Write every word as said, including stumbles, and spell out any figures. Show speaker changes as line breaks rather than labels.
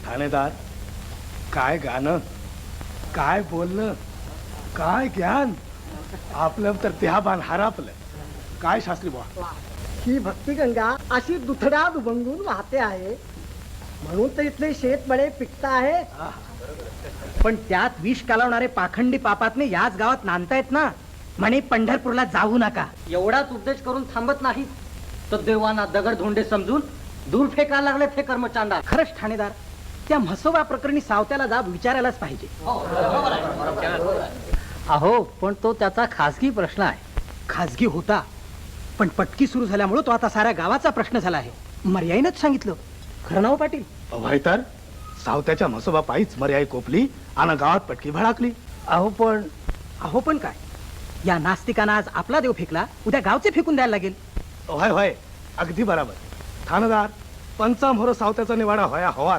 ठाणेदार, काय गाणं, काय बोलणं, काय ज्ञान. आपलं तर देहाबान हरापलं. काय शास्त्री बुवा,
ही भक्तिगंगा अशी दुथड्यात उभंगून वाहते आहे म्हणून तर इथले शेतमळे पिकत आहे.
पण त्यात विष कालवणारे पाखंडी पापातने याच गावात नांदतायत ना. म्हणे पंढरपूरला जाऊ नका.
एवढाच उपदेश करून थांबत नाही तर देवांना दगड धोंडे समजून दूर फेकायला लागले ते कर्मचांडा.
खरंच ठाणेदार, त्या म्हसोबा प्रकरणी सावत्याला जाब विचारायलाच पाहिजे.
अहो पण तो त्याचा खासगी प्रश्न आहे.
खाजगी होता पण पटकी सुरू झाल्यामुळे तो आता साऱ्या गावाचा प्रश्न झाला आहे. मर्याईनच सांगितलं. खरं नाव पाटील?
अभय तर सावत्याच्या म्हसोबा पायीच मर्याई कोपली आणि गावात पटकी भडाकली.
अहो पण अहो पण काय, या नास्तिकांना आज आपला देव फेकला, उद्या गावचे फेकून द्यायला लागेल.
होय होय, अगदी बराबर. ठाणेदार, पंचामोर सावत्याचा निवाडा व्हाया हवा.